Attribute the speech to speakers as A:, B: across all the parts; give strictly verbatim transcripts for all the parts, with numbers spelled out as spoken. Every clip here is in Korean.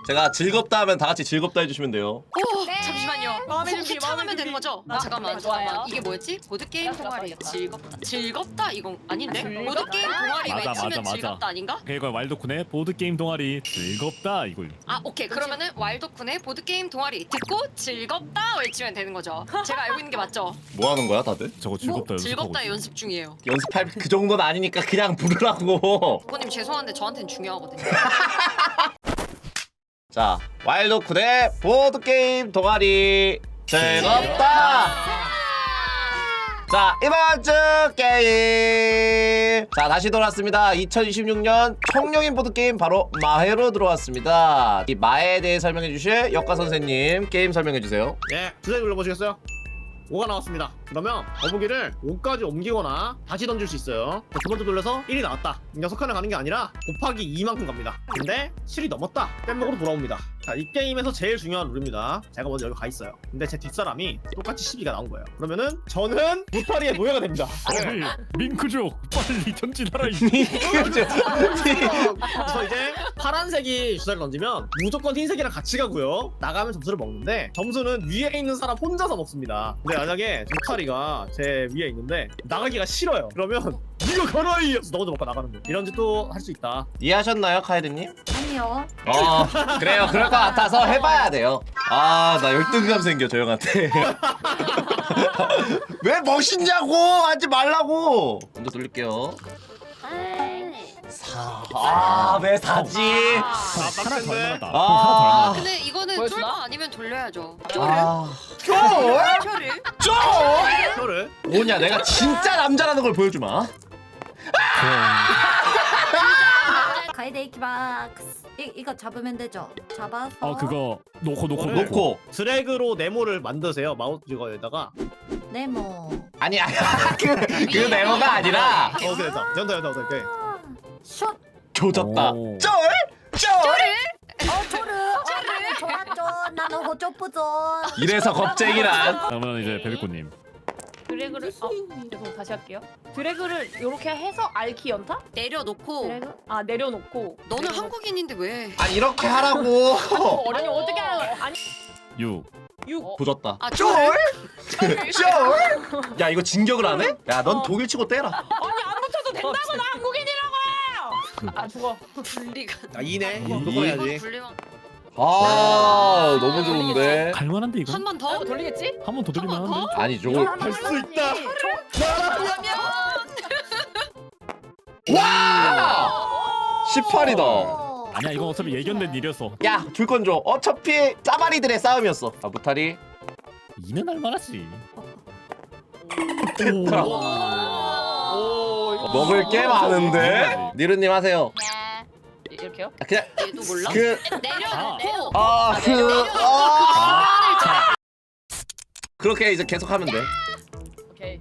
A: 제가 즐겁다 하면 다 같이 즐겁다 해주시면 돼요.
B: 오,
C: 네.
B: 잠시만요.
C: 마음의 준비,
B: 후창하면
C: 마음의
B: 되는
C: 준비.
B: 거죠?
C: 아,
B: 잠깐만,
C: 좋아요.
B: 잠깐만. 이게 뭐였지? 보드 게임
C: 나
B: 동아리
C: 써야겠다.
B: 즐겁다. 즐겁다 이건 아닌데?
C: 즐겁다?
B: 보드 게임 동아리
D: 맞아,
B: 외치면
D: 맞아, 맞아.
B: 즐겁다 아닌가?
D: 그러니까 왈도쿤의 보드게임 동아리 즐겁다 이걸.
B: 아, 오케이. 그러면은 왈도쿤의 보드 게임 동아리 듣고 즐겁다 외치면 되는 거죠. 제가 알고 있는 게 맞죠?
A: 뭐 하는 거야 다들?
D: 저거 즐겁다 연습하고
B: 즐겁다
D: 있어.
B: 연습 중이에요.
A: 연습할 그 정도는 아니니까 그냥 부르라고.
B: 부모님 죄송한데 저한테는 중요하거든요.
A: 자, 와일드쿤의 보드게임 동아리 즐겁다. 자, 이번 주 게임. 자, 다시 돌아왔습니다. 이천이십육 년 청룡인 보드게임 바로 마해로 들어왔습니다. 이 마해에 대해 설명해 주실 역가 선생님 게임 설명해 주세요.
E: 예, 주사위 눌러보시겠어요? 오가 나왔습니다. 그러면 거북이를 오까지 옮기거나 다시 던질 수 있어요. 자, 두 번째 돌려서 일이 나왔다. 여섯 칸을 가는 게 아니라 곱하기 이만큼 갑니다. 근데 칠이 넘었다. 뗏목으로 돌아옵니다. 자, 이 게임에서 제일 중요한 룰입니다. 제가 먼저 여기 가 있어요. 근데 제 뒷사람이 똑같이 십이가 나온 거예요. 그러면은 저는 무타리의 노예가 됩니다.
D: 아니 밍크족 빨리 전진하라 이.
E: 그래서 이제 파란색이 주사를 던지면 무조건 흰색이랑 같이 가고요. 나가면 점수를 먹는데 점수는 위에 있는 사람 혼자서 먹습니다. 근데 만약에 무타리가 제 위에 있는데 나가기가 싫어요. 그러면 이거 걸어이! 하면서 너 먼저 먹고 나가는 거예요. 이런 짓도 할 수 있다.
A: 이해하셨나요, 카이드님?
C: 아니요.
A: 어, 그래요. 그럴 것 같아서 해봐야 돼요. 아, 나 열등감 생겨, 저 형한테. 왜 멋있냐고! 하지 말라고! 먼저 돌릴게요. 사. 아, 왜 사지?
D: 하나 더 얼마다.
A: 아.
B: 근데 이거는
C: 보여주나?
B: 쫄바 아니면 돌려야죠.
A: 아. 쫄?
B: 쫄을?
A: 쫄?
E: 이거를
A: 뭐냐, 내가 진짜 남자라는 걸 보여주마.
C: 가이드 이키박스. 이 이거 잡으면 되죠? 잡아서.
D: 어 그거 놓고 놓고
E: 이거를
D: 놓고.
A: 놓고.
E: 드래그로 네모를 만드세요. 마우스 이거에다가.
C: 네모.
A: 아니, 아니, 그, 그 네모가 아니라.
E: 어, 그래, 됐다. 된다, 된다, 된다. 오케이.
C: 슛.
A: 조졌다.
D: 오.
A: 쫄? 쫄?
C: 어 조르. 어 나는 좋았죠. 나는 호조쁘죠.
A: 이래서 겁쟁이란.
D: 그러면 이제 베비꼬님.
F: 드래그를 어 죄송 다시 할게요. 드래그를 이렇게 해서 알키 연타?
B: 내려놓고
C: 드래그.
F: 아 내려놓고.
B: 너는 한국인인데 왜?
A: 아, 이렇게 하라고.
F: 아니 어떻게 하는 아니
D: 육.
F: 육.
A: 조졌다.
B: 아,
A: 쫄?
B: 쫄?
A: 쫄? 야, 이거 진격을 안 해? 야, 넌
F: 어.
A: 독일 치고 떼라.
F: 아니 안 붙여도 된다고 나 한국인이라고. 아 죽어.
B: 분리가.
E: 아, 이네.
D: 이-
E: 무조건
B: 이건
E: 해야지.
B: 분리만.
A: 아, 너무 좋은데.
D: 갈만한데 이거?
B: 한 번 더?
F: 어, 돌리겠지?
D: 한 번 더 돌리면
B: 한번
D: 하는데.
A: 아니, 저걸.
E: 할 수 있다.
A: 와! 십팔이다.
D: 아니야 이건 어차피 예견된 일이었어.
A: 야, 줄 건 줘. 어차피 짜바리들의 싸움이었어. 아, 무타리.
D: 이는 할만하지.
A: 됐다.
D: 오.
E: 오,
A: 먹을 게 많은데? 니르님 하세요.
F: 이렇게요?
A: 아, 그냥,
B: 얘도 몰라?
A: 그,
B: 내려놓고
A: 아, 그, 아. 그렇게 이제 계속 하면 돼.
F: 오케이.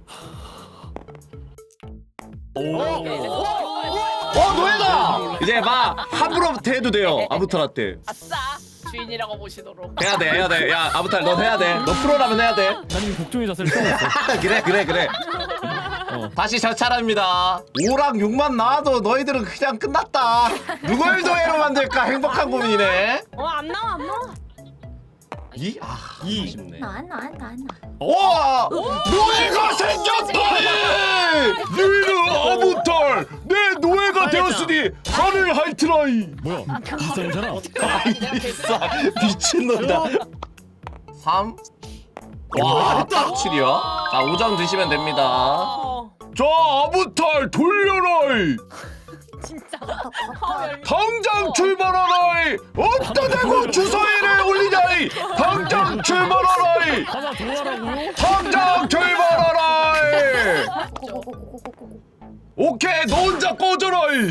D: 오.
A: 어, 노예다! 이제 막, 함부로부터 해도 돼요. 아부탈한테.
F: 아싸 주인이라고 보시도록.
A: 해야 돼, 해야 돼. 야, 아부탈, 넌 해야 돼. 너 프로라면 해야 돼.
D: 난 이미 복종의 자세를 써왔어.
A: 그래, 그래, 그래.
D: 어.
A: 다시 저 차례입니다. 오랑 육만 나와도 너희들은 그냥 끝났다. 누굴 노예로 만들까 행복한 고민이네.
F: 어안 나와 안 나와.
A: 이? 아,
E: 이.
A: 아쉽네.
C: 나나나나.
A: 와! 노예가 생겼다니! 니는 아무탈! 내 노예가 되었으니 하늘 하이트라이!
D: 뭐야? 비싸잖아.
A: 비싸 미친놈다. 삼. 와, 딱 칠이야? 자, 오 점 드시면 됩니다.
F: 어
A: 자, 아무탈 돌려라이!
F: 진짜.
A: 당장 출발하라이! 어디다 대고 주사위를 올리냐이! 당장 출발하라이!
D: 하나 더 하라고요?
A: 당장 출발하라이!
C: 고고고고고고고.
A: 오케이, 너 혼자 꺼져라이!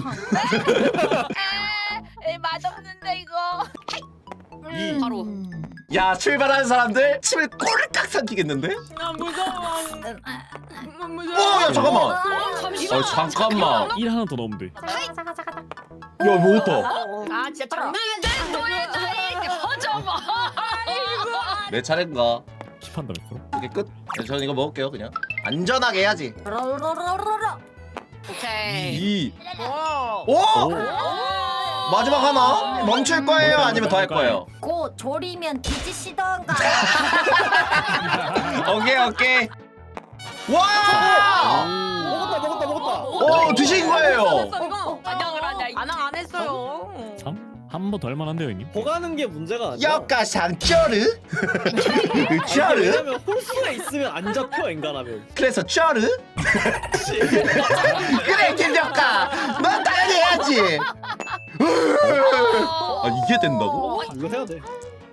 F: 에 맛없는데 이거.
E: 이.
B: 바로.
A: 야, 출발하는 사람들 침을 꼴깍 삼키겠는데?
F: 나 무서워. 나 무서워.
A: 어, 야, 잠깐만.
B: 어, 잠시만.
A: 어, 잠깐만.
D: 일 하나 더 넣으면 돼.
C: 자가 자가 자가.
A: 야, 뭐 어떠?
F: 아 진짜 장난인데 너의 나이
B: 퍼져봐.
A: 내 차례인가?
D: 킵한다 몇 프로?
A: 이게 끝? 네, 저는 이거 먹을게요, 그냥. 안전하게 해야지.
C: 로로로로로로.
B: 오케이.
A: 이.
F: 와.
A: 오!
D: 오.
A: 마지막 하나 멈출 거예요? 아니면 더 할 거예요?
C: 고 졸이면 뒤지시던가.
A: 오케이 오케이. 와!
E: 먹었다 먹었다 먹었다.
A: 오 드신 거예요.
F: 이거
B: 안녕을 하냐, 이
F: 안녕 안 했어요.
D: 삼? 한 번 더 할만한데요 형님?
E: 보가는 게 문제가 아니야.
A: 역가상 쩌르? 쩌르?
E: 왜냐면 홀수가 있으면 안 잡혀 인간하면.
A: 그래서 쩌르? 그래 김역가 넌 당연히 해야지. 아 이게 된다고?
E: 이거 해야 돼.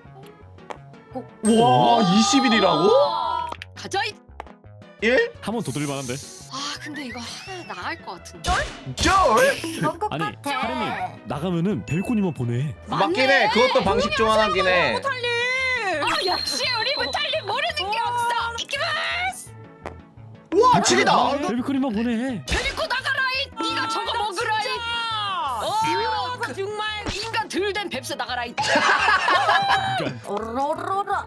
A: 와 이십 일이라고?
B: 가자. 이-
A: 일?
D: 한 번 더 들만한데?
B: 아 근데 이거 하나 나갈 것 같은데.
A: 쩔?
C: 그런 것
D: 아니
C: 같아.
D: 사람이 나가면은 벨코니만 보내.
A: 맞긴 해. 그것도 방식 중 하나긴 해.
B: 아 역시 우리 무탈님 모르는 게 없어. 이키마스.
A: 와 칠이다.
D: 벨코니만 보내.
B: 데리고 나가라 이. 네가 저거 먹으라 이. 어 그, 정말 인간 들된 뱁새 나가라 이.
C: 오로로로.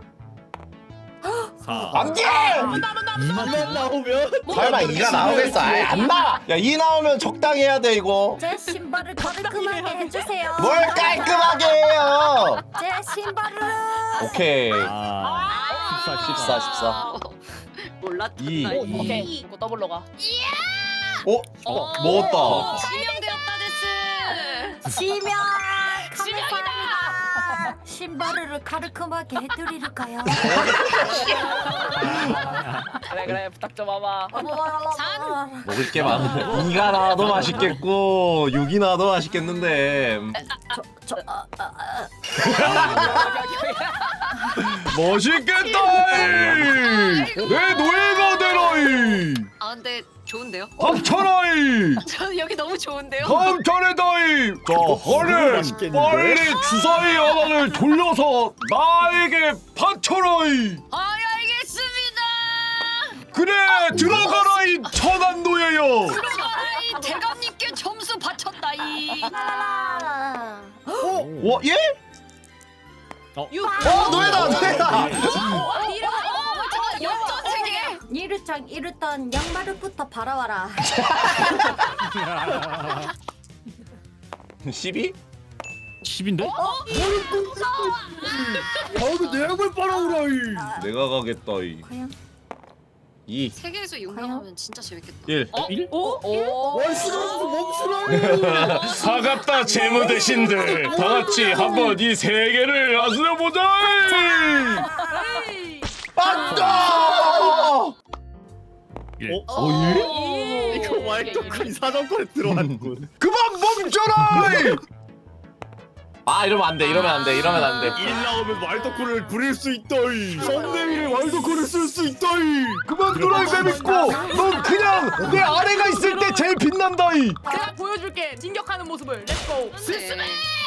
A: 안돼.
E: 이만 나오면
A: 설마 이가 나오겠어? 아예 안 나와. 야 이 나오면 적당히 해야 돼 이거.
C: 제 신발을 깔끔하게 해주세요.
A: 뭘 깔끔하게 해요?
C: 제 신발을.
A: 오케이.
D: 아
A: 십사, 십사, 십사.
B: 몰랐다.
A: 이.
B: 나 이.
F: 오케이 이거 더블로 가.
A: 어? 어 먹었다.
B: 지명되었다 데스.
C: 지명.
B: 지명이다.
C: 감사합니다. 신발을 깔끔하게 해드릴까요?
F: 그래 그래 부탁 좀 와봐.
A: 먹을 게 많은데 이가 나와도 맛있겠고 육이 나와도 맛있겠는데.
C: 저, 아, 아, 아.
A: 맛있겠다. 내 노예가 되라이.
B: 아 근데 좋은데요?
A: 감천하이.
B: 저는 여기 너무 좋은데요?
A: 감천해다이. 자 허를
E: 맛있겠는데?
A: 빨리 주사위 하나를 돌려서 나에게 바쳐라이.
B: 아 알겠습니다.
A: 그래 들어가라 이 천한 노예여.
B: 들어가라 이 대감님께 점수 바쳤다 이.
C: 아.
A: 와 예?
F: 유.
A: 어 노예다 노예다.
B: 역전 세계.
C: 이르창 이르던 양말부터 바라와라.
A: 십이?
D: 십인데?
E: 다음에 내 약을 빨아오라이.
A: 내가 가겠다 이.
C: 과연?
A: 이.
B: 세계에서 용감하면 진짜 재밌겠다.
A: 일.
B: 어?
D: 일?
B: 오? 오?
E: 월수로서 멈추라이.
A: 사갑다 재무 대신들 다 같이 한번 이 세계를 아슬려보자. 안다.
D: 일.
E: 어?
A: 어 예?
E: 이거 왈도쿤 사정권에 들어왔군.
A: 그만 멈춰라. 아 이러면 안 돼 이러면 안 돼 이러면 안 돼.
E: 일 나오면 왈도쿤을 부릴 수 있다이. 썸네일에 왈도쿤을 쓸 수 있다이.
A: 그만 놀아 재밌고 넌 그냥 내 아래가 있을 때 제일 빛난다이.
F: 내가 보여줄게 진격하는 모습을. 렛츠고.
B: 스스메.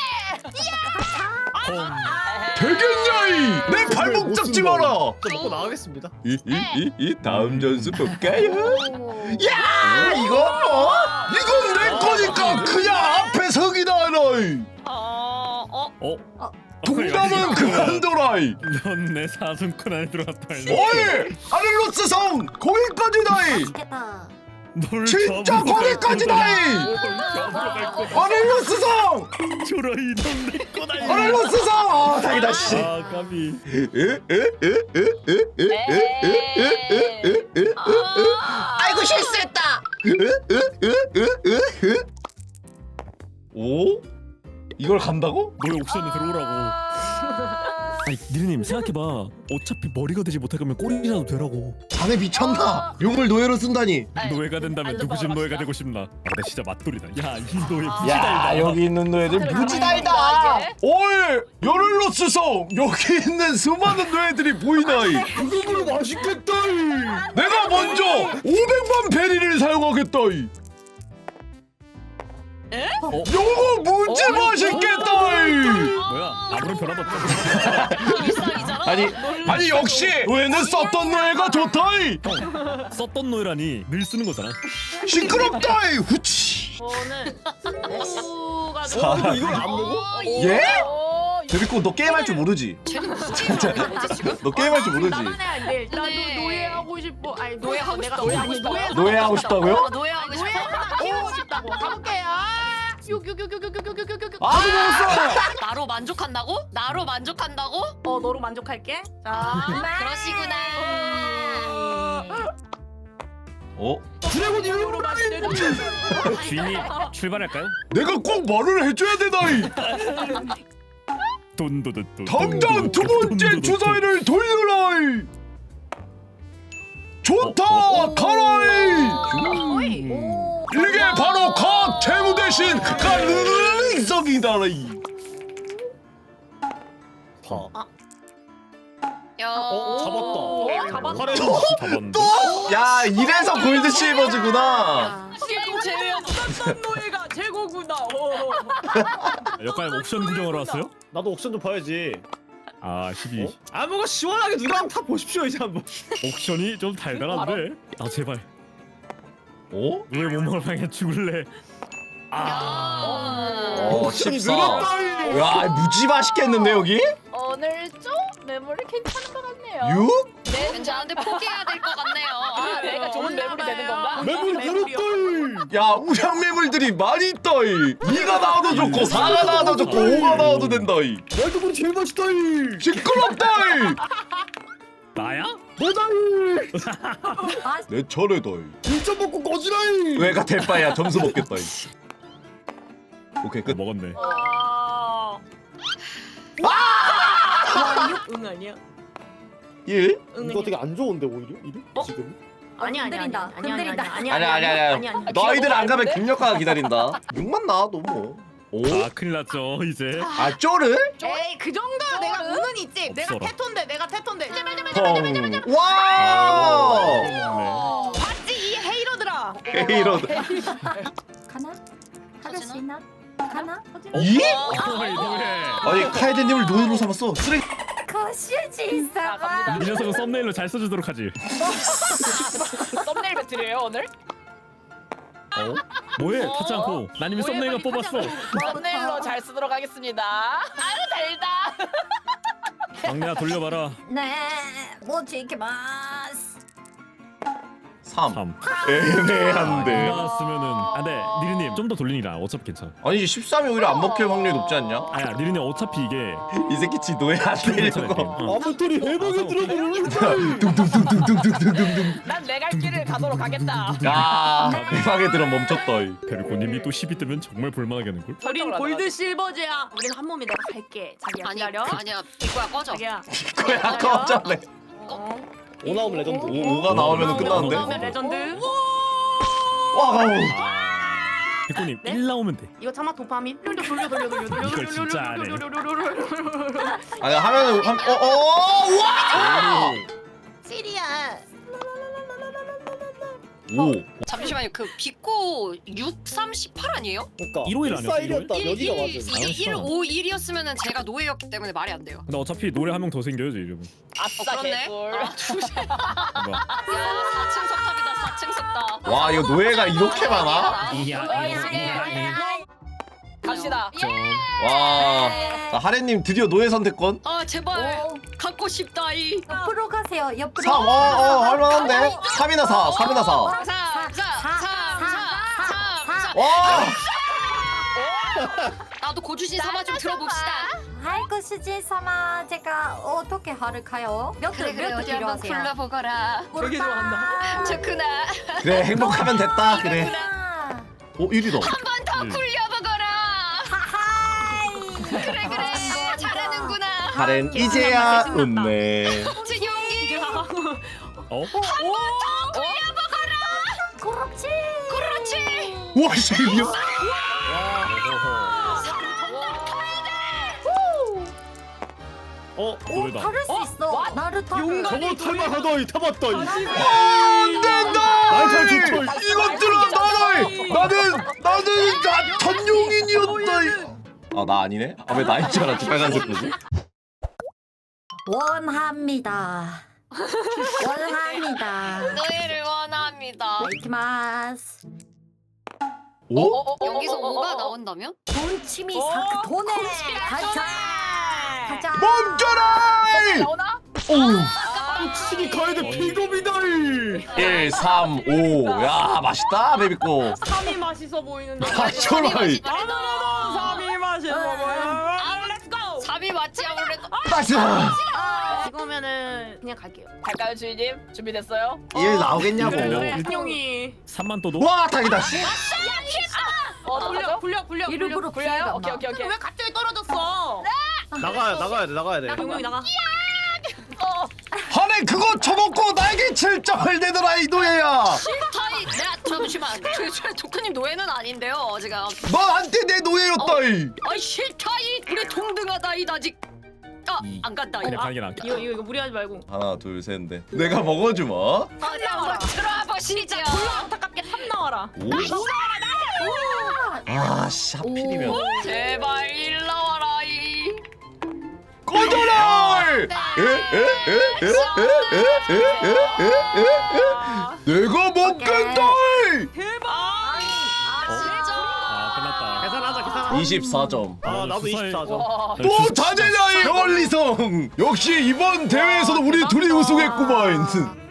A: 되겠냐이. 내 발목 잡지 마라.
E: 저 먹고 나가겠습니다.
A: 이 이 이 다음 전수 볼까요?
C: 오.
A: 야 이거 뭐? 이건 내 거니까 그냥 앞에 서기나 라이.
B: 어? 어?
D: 어?
A: 동남은 그만둬라이.
D: 넌내 사슴꾼 안에 들어갔다.
A: 어이 아를로스 성 거기까지다이.
C: 맛있겠다.
D: 널
A: 진짜
D: 잡으러 갈
A: 거기까지다이.
D: 거다. 잡으러 갈 거다.
A: 아를로스 성.
D: 초라이 넌내 거다.
A: 아를로스 성. 아 다행이다 씨.
D: 아 까비.
A: 아이고 실수했다. 오? 이걸 간다고?
D: 너의 옥션에 들어오라고. 아니 니르님 생각해봐. 어차피 머리가 되지 못할 거면 꼬리라도 되라고.
A: 자네 미쳤나? 용을 노예로 쓴다니.
D: 노예가 된다면 누구 집 노예가 되고 싶나? 아, 나 진짜 맛돌이다. 야 이 노예
A: 야
D: 부지달다.
A: 여기 있는 노예들 무지달다. 어이 요를로스 성 여기 있는 수많은 노예들이 보이나이.
E: 그거로 맛있겠다이.
A: 내가 먼저 오백만 베리를 사용하겠다이.
B: 에?
D: 어?
A: 요거 무지
F: 어?
A: 맛있겠다이.
D: 뭐야? 아무런 변화도 없다.
B: 일상이잖아.
A: 아니 아니 역시 노예는 썼던 노예가 좋다이.
D: 형 썼던 노예라니 늘 쓰는 거잖아.
A: 시끄럽다이. 후치.
F: 저는 오가
A: 사.
E: 이거 이걸 안 먹어?
A: 예? 데리고 너 게임할 줄 모르지?
B: 쟤는 무슨 게임을 하는 거지 지금?
A: 너 게임할 줄 모르지?
F: 나만 해야 돼. 나도
B: 네.
F: 노예하고 싶어. 아니
B: 노예하고
F: 내가
B: 싶다,
F: 노예
B: 노예하고
F: 아니
B: 싶다.
F: 노예
A: 노예하고 싶다고요?
B: 노예하고 싶어.
F: 노예 하나 키우고 싶다고. 가볼게요.
A: 아
B: 나로 만족한다고? 나로 만족한다고?
F: 어 너로 만족할게. 자.
B: 그러시구나.
A: 어?
E: 드래곤
F: 너로 만족해.
D: 주인이 출발할까요?
A: 내가 꼭 말을 해줘야 되나이.
D: 돈도도도.
A: 당장 두 번째 주사위를 돌려라이. 좋다 가라이.
F: 어이.
C: 오.
A: 이게 바로 각 재무 대신 가능성이다라이.
E: 다.
B: 야.
E: 어 잡았다.
F: 오, 잡았다.
E: 카레
D: 잡았는데.
A: 야 이래서 골드 실버즈구나.
B: 게임 제외한
F: 어떤 노예가 최고구나.
D: 역할 옵션 구경하러 왔어요?
E: 나도 옥션 좀 봐야지.
D: 아 십이.
E: 어? 아 뭐가 시원하게 누가 한번 타 보십시오 이제 한번.
D: 옥션이 좀 달달한데. 아 제발.
A: 어?
D: 왜 못 먹을 방에 죽을래? 아.
A: 어
E: 옥션이
A: 십사.
E: 늘었다.
A: 야 무지 맛있겠는데 여기?
F: 오늘 좀 매물이 괜찮은 것 같네요.
A: 육?
B: 네, 왠지 나한테 포기해야 될 것 같네요.
F: 아, 내가 좋은 매물이 되는 건가?
E: 매물 늘었다.
A: 야 우량 매물들이 많이 있다이. 이가 나와도 좋고 사가 나와도 좋고 오가 나와도 된다이.
E: 월드볼이 제일 맛있다이.
A: 시끄럽다이.
D: 나야?
E: 보자이.
A: 내 차례다이.
E: 일 점 먹고 꺼지라이.
A: 왜가 대빠야 점수 먹겠다이. 오케이
D: 어,
A: 끝.
D: 먹었네.
F: 아! 응 아니야?
A: 일?
F: 응
E: 이거 되게 안 좋은데 오히려 이름
F: 어?
E: 지금.
F: 아니 아니 아니
C: 흔들린다,
F: 아니 아니
C: 흔들린다.
F: 아니
A: 아니야 아니야 아니야. 너희들 안 가면 김력가가 기다린다. 육만 나와도 뭐. 오?
D: 아 큰일 났죠 이제.
A: 아 쪼를?
F: 에이 그 정도야 내가 은은 있지. 내가
D: 없어라.
F: 테토인데 내가 테토인데.
A: 펑. 와.
D: 아,
F: 봤지 이 헤이러들아.
A: 헤이로.
C: 가나? 하루 쉬나? 가나?
A: 이?
D: 어이 노예.
A: 아니 카이드님을 노예로 삼았어. 쓰레기.
C: 거실지 있어봐.
D: 이 녀석은 썸네일로 잘 써주도록 하지.
F: 썸네일 배틀이에요 오늘?
D: 어? 뭐해? 타지 않고. 난 이미 썸네일가 뽑았어.
F: 썸네일로 잘 쓰도록 하겠습니다. 아유 달다.
D: 막내야 돌려봐라.
C: 네, 뭐 지켜봐스.
A: 삼.
D: 삼.
A: 애매한데.
D: 나왔으면은. 아, 네, 니르님 좀 더 돌리니라. 어차피 괜찮아.
A: 아니 십삼이 오히려 안 먹힐 확률이 높지 않냐?
D: 아야, 니르님 어차피 이게
A: 이 새끼 지 노예 안
D: 괜찮아.
A: 되려고.
D: 어.
E: 아무튼 해방에 들어보는.
A: 둥둥둥둥둥둥둥둥.
F: 난 내 갈 길을 가도록 하겠다.
A: 야 대박에 들어 멈췄다. 이.
D: 베르코님이 또 십이 뜨면 정말 볼만하게 하는 걸.
F: 우린 골드 실버제야. 우린 한 몸이 내가 갈게. 자기야
B: 아니,
F: 기다려.
B: 아니야. 이거야 꺼져.
F: 자기야.
A: 그래 아까 어쩌네.
F: 어.
E: 오 나오면 레전드.
A: 오, 오가 나오면 끝나는데?
F: 나오면 레전드.
A: 와 가오.
D: 베르코님
F: 네?
D: 일 나오면 돼.
F: 이거 참아 도파민. 돌려 돌려 돌려 돌려 돌려
D: 이걸 진짜 안 해.
A: 아니 하면은 한 어어 와.
F: 시리야.
A: 오.
B: 잠시만요. 그 비코 육, 삼, 십팔 아니에요?
E: 그러니까
D: 일오일 아니었어,
E: 일사일이었다.
B: 일,
E: 여기가
B: 일,
E: 맞아.
B: 이게 일, 오, 일이었으면은 제가 노예였기 때문에 말이 안 돼요.
D: 근데 어차피 노래 한 명 더 생겨야지 이러면.
F: 아싸
B: 그렇네.
F: 개꿀.
B: 아, 두세. 야,
D: 뭐야?
B: 사 층 석탑이다. 사 층 석탑.
A: 와 이거 노예가 이렇게 많아?
D: 이야
F: 갑시다.
A: 와. 자, 하래님 드디어 노예 선택권.
B: 아 제발
C: 오.
B: 갖고 싶다 이.
C: 옆으로 가세요. 옆으로.
A: 삼. 어, 어 할만한데. 삼이나 사. 삼이나 사.
B: 삼, 삼, 삼, 삼, 삼.
A: 와.
B: 나도 고주신 사마 좀 들어봅시다.
C: 아이고 수지 삼아 제가 어떻게 할까요?
B: 그래
C: 몇개
B: 그래
C: 몇
B: 어디
C: 개
B: 한번
C: 필요하세요?
B: 불러보거라.
F: 되게 좋아한다.
B: 좋구나.
A: 그래 행복하면 됐다. 그래.
C: 아,
A: 오 일이다.
B: 한 번 더
D: 음.
B: 굴려보거라.
C: 하하이.
B: 그래 그래 잘하는구나.
A: 하렌 이제야 웃네.
B: 준용이
D: 어?
C: 그렇지.
B: 그렇지.
A: 와 쉐이비요.
E: 어?
D: 노래다.
C: 다를 수 있어. 나를 타.
E: 저거 탈만하다 이 타봤다 이.
A: 안 된다.
E: 아이, 잘 좋죠.
A: 이것들아 나를. 나는 나는 나 전용인이었다. 아 나 아니네? 아 왜 나인 줄 알았지 빨간색 거지?
C: 원합니다. 원합니다.
B: 노예를 원합니다.
C: 이키마스.
A: 오?
B: 여기서 오가 나온다면?
C: 돈치미
F: 어,
C: 사크 돈에 가자. 가자.
A: 멈춰라!
F: 나오나?
A: 오.
B: 아깝다.
E: 꽂히기 가야 돼 비겁이다.
A: 일, 삼, 오. 야, 맛있다, 베비꼬.
F: 삼이 맛있어 보이는데.
A: 아, 저라이.
F: 아무래도 삼이 맛있어 보여. 렛츠고.
B: 삼이 맞지 아무래도.
A: 맛있어.
F: 이거면은 그냥 갈게요.
B: 갈까요 주인님? 준비됐어요?
A: 일 나오겠냐고.
F: 형이.
D: 삼만 또도?
A: 와, 다행이다.
B: 어
F: 굴려 굴려 굴려
C: 일부러
F: 굴려요?
C: 피해가
F: 오케이
C: 나.
F: 오케이 오케이. 왜 갑자기 떨어졌어?
E: 나가야 나가야 돼 나가야 돼.
F: 용용이 나가.
A: 아니, 그거 쳐먹고 나에게 칠 점을 내더라, 이 노예야.
B: 타이 내가 잠시만. 저, 저 도크님 노예는 아닌데요 지금.
A: 너한테 내 노예였다, 이.
B: 아이 싫다이 우리 동등하다 이 아직.
D: 이.
B: 아안 간다.
D: 그래
B: 이거.
D: 가는 게 나아.
F: 이거 이거 이거 무리하지 말고.
A: 하나, 둘, 셋, 넷. 내가 먹어주마.
B: 어디 한번 들어와 보시죠.
F: 졸라 안타깝게 삼 나와라.
A: 아, 씨, 하필이면.
B: 제발 일 나와라 이.
A: 꺼져라! 에? 에? 에? 에? 에? 에? 에? 에? 에? 에? 내가 먹겠다!
F: 대박.
B: 아 진짜.
D: 아 끝났다.
E: 계산하자 계산하자.
A: 이십사 점.
E: 아 나도
D: 주사위-
E: 이십사 점.
B: 와.
A: 또 자제냐, 이 원리성! 역시 이번 대회에서도 우리 둘이 우승했구만.